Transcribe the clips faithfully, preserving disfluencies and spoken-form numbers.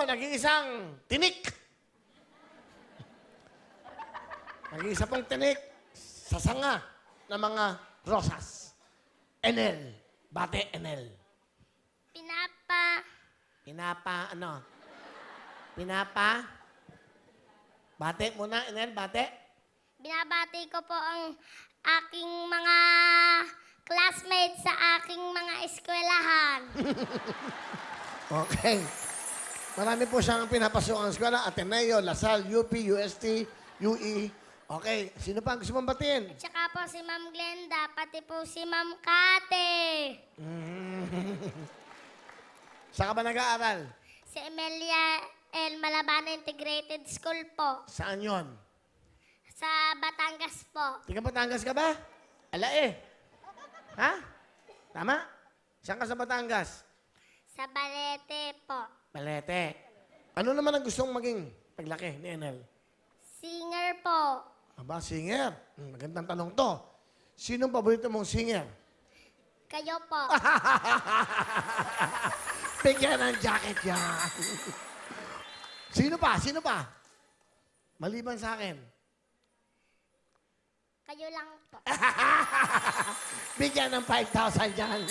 nag-iisang tinik. Nag-iisa pong tinik sa sanga ng mga rosas. Enel. Bate, Enel. Pinapa. Pinapa, ano? Pinapa? Bate muna, Enel, bate. Binabati ko po ang aking mga classmates sa aking mga eskwelahan. Okay. Marami po siyang pinapasok ang eskwela. Ateneo, Lasal, U P, U S T, U E. Okay. Sino pa ang gusto mong batiin? At saka po si Ma'am Glenda, pati po si Ma'am Kate. Saan ka ba nag-aaral? Si Emilia L. Malabana Integrated School po. Saan yon? Sa Batangas po. Tiga Batangas ka ba? Ala eh. Ha? Tama? Saan ka sa Batangas? Sa Balete po. Balete. Ano naman ang gustong maging paglaki ni Enel? Singer po. Aba, singer. Hmm, magandang tanong to. Sinong paborito mong singer? Kayo po. Bigyan ng jacket yan. Sino pa? Sino pa? Maliban sa akin. Kayo lang po. Bigyan ng five thousand dyan.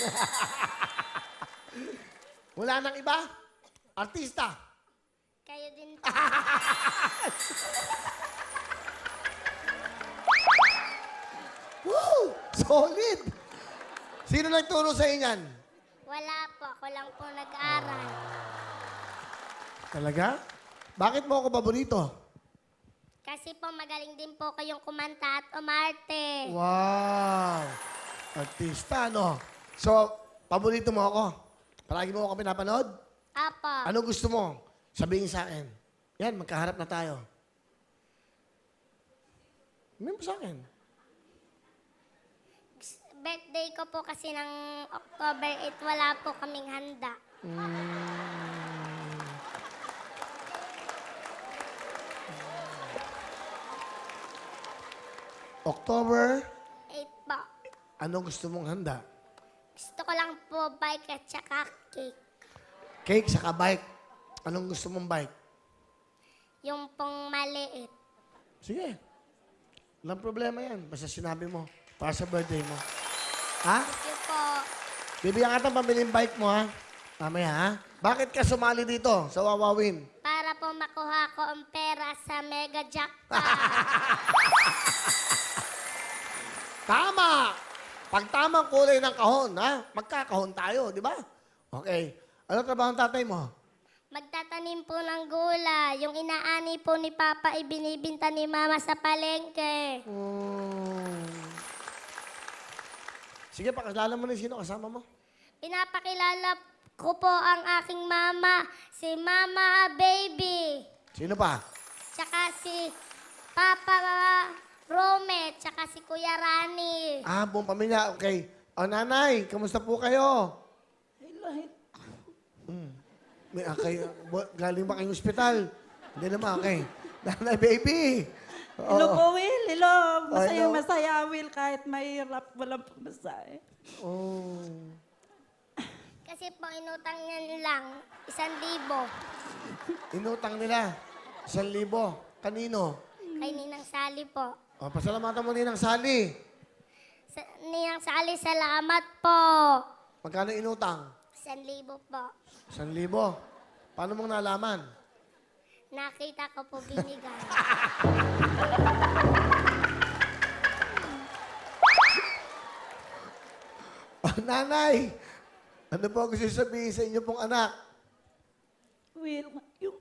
Wala nang iba? Artista? Kayo din po. Woo! Solid! Sino nagturo sa inyan? Wala po. Ako lang po nag-aral. Talaga? Bakit mo ako paborito? Kasi po magaling din po kayong kumanta at umarte. Wow! Artista, no? So, paborito mo ako? Palagi mo ako pinapanood? Apo. Ano gusto mo? Sabihin sa akin. Yan, magkaharap na tayo. Sabihin mo sa akin. Birthday ko po kasi ng October eighth, wala po kaming handa. October, eight po. anong gusto mong handa? Gusto ko lang po bike at saka cake. Cake saka bike. Anong gusto mong bike? Yung pong maliit. Sige. Walang problema yan. Basta sinabi mo. Para sa birthday mo. Ha? Thank you po. Bibigyan ka ng pamiling bike mo, ha? Mamaya, ha? Bakit ka sumali dito sa Wawawin? Para po makuha ko ang pera sa Mega Jackpot. Tama! Pag tamang kulay ng kahon, ha? Magkakahon tayo, di ba? Okay. Ano trabaho ng tatay mo? Magtatanim po ng gula. Yung inaani po ni Papa, ibinibinta ni Mama sa palengke. Hmm. Sige, pakilala mo na sino kasama mo. Pinapakilala ko po ang aking mama, si Mama Baby. Sino pa? Tsaka si Papa Rome, tsaka si Kuya Rani. Ah, buong pamilya. Okay. O, nanay, kamusta po kayo? Hmm. May, okay. Galing ba kayong ospital? Hindi naman, okay. Nanay, baby. Oo. Hello po, Will. Hello. Masaya, hello. masaya, Will. Kahit mahirap, walang pamasahe. Oh. Kasi po inutang niya lang, isang libo. Inutang nila. Isang libo. Kanino? Kay Ninang Sally po. O, pasalamatan mo ninang Sally. Sa, Ninang Sally, salamat po. Magkano inutang? Isang libo po. Isang libo. Paano mong nalaman? Nakita ko po binigay. Oh, nanay, ano po ang gusto sabihin sa inyo pong anak? Will, yung...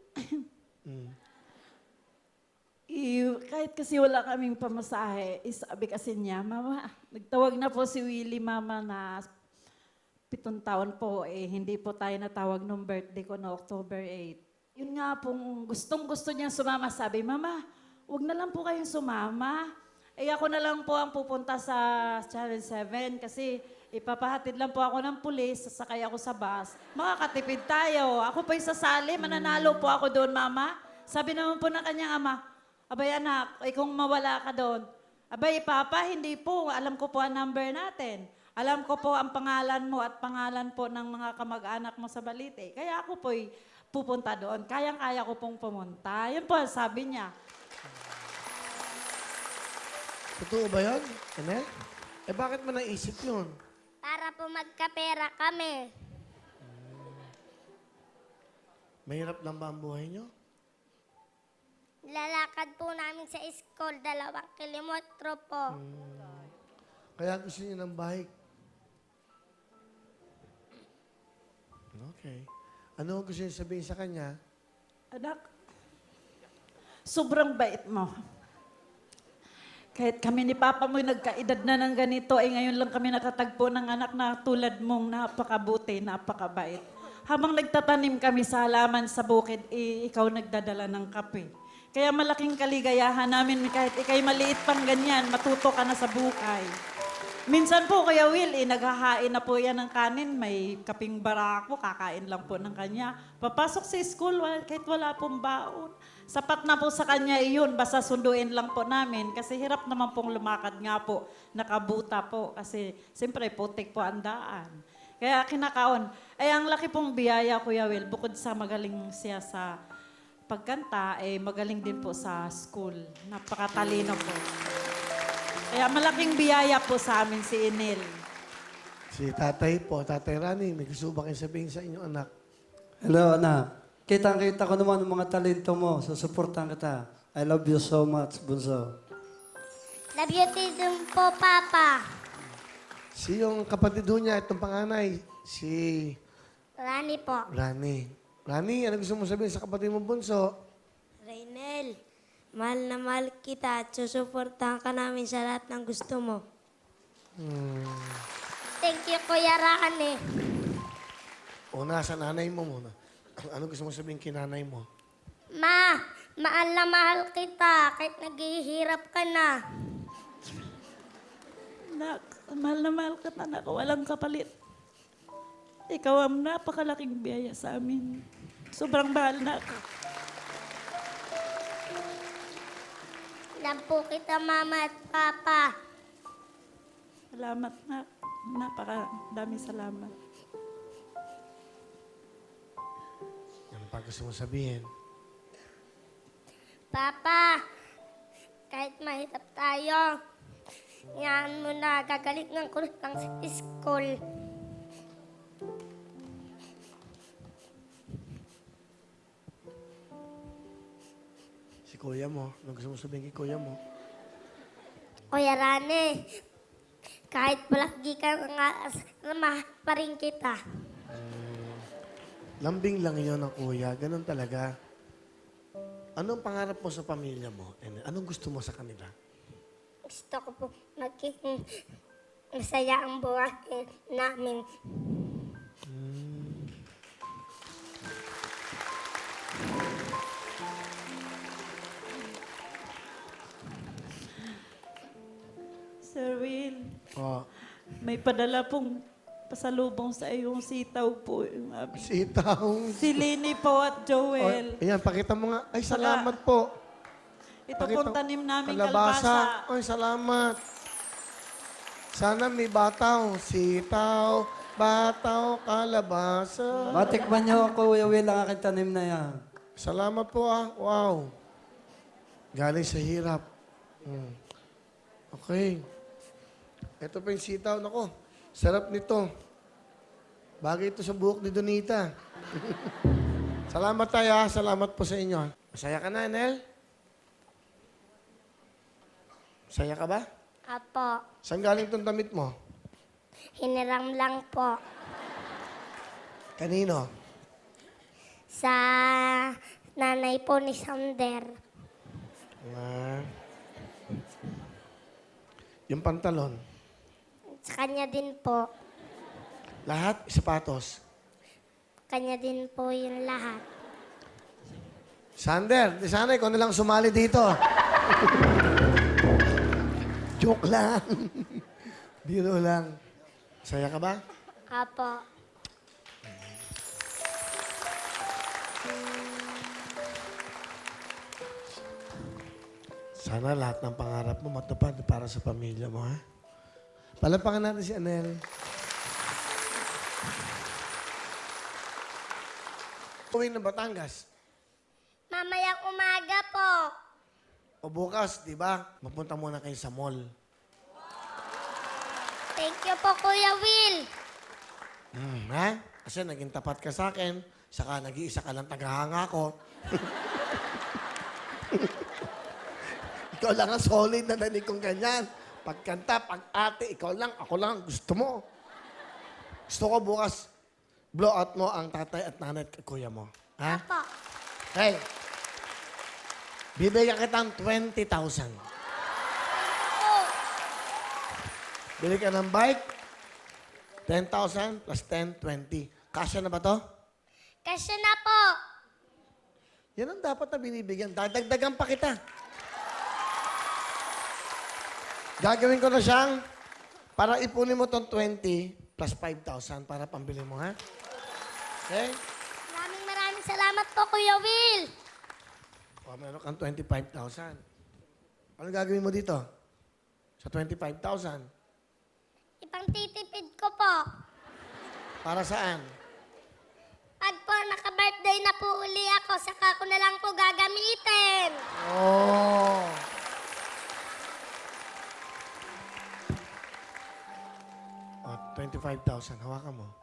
I- kahit kasi wala kaming pamasahe, isabi kasi niya, Mama, nagtawag na po si Willie, Mama, na pitong taon po, eh, hindi po tayo natawag nung birthday ko na October eighth. Yun nga pong gustong-gusto niya sumama. Sabi, Mama, wag na lang po kayong sumama. Eh ako na lang po ang pupunta sa Channel seven kasi ipapahatid lang po ako ng pulis, sasakay ako sa bus. Makakatipid tayo. Ako po sasali, mananalo po ako doon, Mama. Sabi naman po ng kanyang ama, abay anak, eh kung mawala ka doon, abay Papa, hindi po. Alam ko po ang number natin. Alam ko po ang pangalan mo at pangalan po ng mga kamag-anak mo sa Balite. Kaya ako po'y pupunta doon. Kayang-kaya ko pong pumunta. Yun po, ang sabi niya. Totoo ba yun, Anel? Eh, bakit mo naisip yun? Para po magkapera kami. Mahirap lang ba ang buhay nyo? Lalakad po namin sa school, dalawang kilometro po. Kaya gusto niyo ng bike. Okay. Ano ang gusto niyo sabihin sa kanya? Anak, sobrang bait mo. Kahit kami ni Papa mo nagkaedad na ng ganito, eh ngayon lang kami nakatagpo ng anak na tulad mong napakabuti, napakabait. Habang nagtatanim kami sa halaman sa bukid, eh, ikaw nagdadala ng kape. Kaya malaking kaligayahan namin kahit ikay maliit pang ganyan, matuto ka na sa buhay. Minsan po, Kuya Will, eh, naghahain na po yan ng kanin. May kaping barako, kakain lang po ng kanya. Papasok sa school, wala, kahit wala pong baon. Sapat na po sa kanya iyon, basta sunduin lang po namin. Kasi hirap naman pong lumakad nga po, nakabuta po. Kasi siyempre, putik po ang daan. Kaya kinakaon. Ay, ang laki pong biyaya, Kuya Will, bukod sa magaling siya sa pagkanta, eh magaling din po sa school. Napakatalino po. Kaya malaking biyaya po sa amin si Enel. Si tatay po, tatay Rani, may gusto ba kayo sabihin sa inyong anak? Hello, anak. Kitang-kita ko naman ang mga talento mo. Susuportan kita. I love you so much, Bunso. Love you din po, Papa. Si yung kapatid ho niya, itong panganay, si Rani po. Rani. Rani, ano gusto mo sabihin sa kapatid mo, Bunso? Raynel, mahal na mahal kita at susuportahan ka namin sa lahat ng gusto mo. Thank you, Kuya Rani. Una, sa nanay mo muna. Ano gusto mo sabihin kay nanay mo? Ma, mahal na mahal kita kahit naghihirap ka na. Anak, mahal na mahal ka na, anak. Walang kapalit. Ikaw ang napakalaking biyaya sa amin. Sobrang mahal na ako. Love po kita, Mama at Papa. Salamat na. Napakadami salamat. Ano pa gusto mo sabihin? Papa, kahit mahirap tayo, yan mo na, gagalingan ko lang sa school. Si kuya mo, ano gusto mo sabihin kay kuya mo? Kuya Rani, kahit palagi ka nga, mahal pa rin kita. Lambing lang yun ng kuya, ganun talaga. Anong pangarap mo sa pamilya mo? And anong gusto mo sa kanila? Gusto ko po maging masaya ang buhay namin. Sir Will, Oh, may padala pong pasalubong sa iyong sitaw po. Yung abi. sitaw. Si Lini po at Oh, Joel. ayan, pakita mo nga. Ay, salamat po. Ito Pakita- pong tanim namin Kalabasa. kalabasa. Ay, salamat. Sana may bataw. Sitaw, bataw, kalabasa. Matikman niyo ako, Kuya Will, ang aking tanim na yan. Salamat po ah. Wow. Galing sa hirap. Hmm. Okay. Ito pa yung sitaw. Nako, sarap nito. Bagay ito sa buhok ni Donita. Salamat tayo ah. Salamat po sa inyo. Masaya ka na, Nel? Masaya ka ba? Apo, Saan galing itong damit mo? hiniram lang po Kanino? sa nanay po ni Sander. Ah. Yung pantalon. Sa kanya din po. Lahat, sapatos. Kanya din po yung lahat. Sander, di sana ikaw na lang sumali dito. Joke lang. Biro lang. Saya ka ba? Apo. Sana lahat ng pangarap mo matupad para sa pamilya mo, ha? Palapakan natin si Anel. Uwi ng Batangas. Mamayang umaga po. O bukas, di ba? Mapunta muna kayo sa mall. Thank you po, Kuya Will. Hmm, ha? Kasi naging tapat ka sa akin, saka nag-iisa ka lang tagahanga ko. Ikaw lang ang solid na nanig kong ganyan. Pagkanta, pag-ate, ikaw lang, ako lang, gusto mo. Gusto ko bukas, blow out mo ang tatay at nanay at kuya mo. Ha? Apo. Hey, bibigyan kita ng twenty thousand. Oh, Bili ka ng bike, ten thousand plus ten, twenty. Kasya na ba to? kasya na po. Yan ang dapat na binibigyan. Dadagdagan pa kita. Gagawin ko na siyang para ipunin mo tong twenty plus five thousand para pambili mo, ha? Okay? Maraming maraming salamat po, Kuya Will. O, meron kang twenty-five thousand. Ano gagawin mo dito? Sa twenty-five thousand? Ipang titipid ko po. Para saan? Pag po naka-birthday na po uli ako, saka ko na lang po gagamitin. Oh. Oh, twenty-five thousand. Hawakan mo.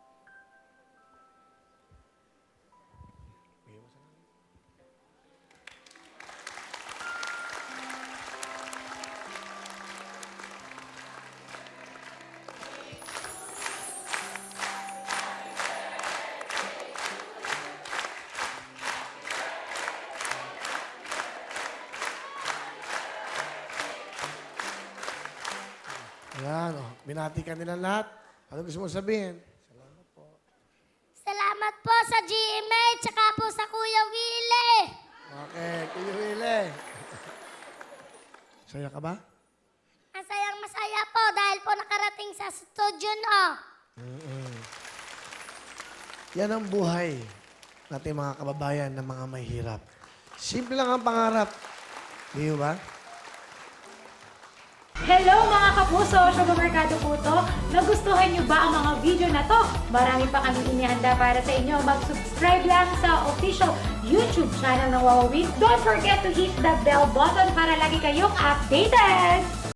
Ayan, oh. Binati ka nila lahat. Ano gusto mo sabihin? Salamat po sa G M A, tsaka po sa Kuya Willie. Okay, Kuya Wile. Saya ka ba? Masayang masaya po dahil po nakarating sa studio no. Yan ang buhay natin mga kababayan na mga may hirap. Simple lang ang pangarap. Di ba? Hello mga kapuso! Sugar Mercado po to. Nagustuhan niyo ba ang mga video na to? Marami pa kami inihanda para sa inyo. Mag-subscribe lang sa official YouTube channel ng Wawa Week. Don't forget to hit the bell button para lagi kayong updated!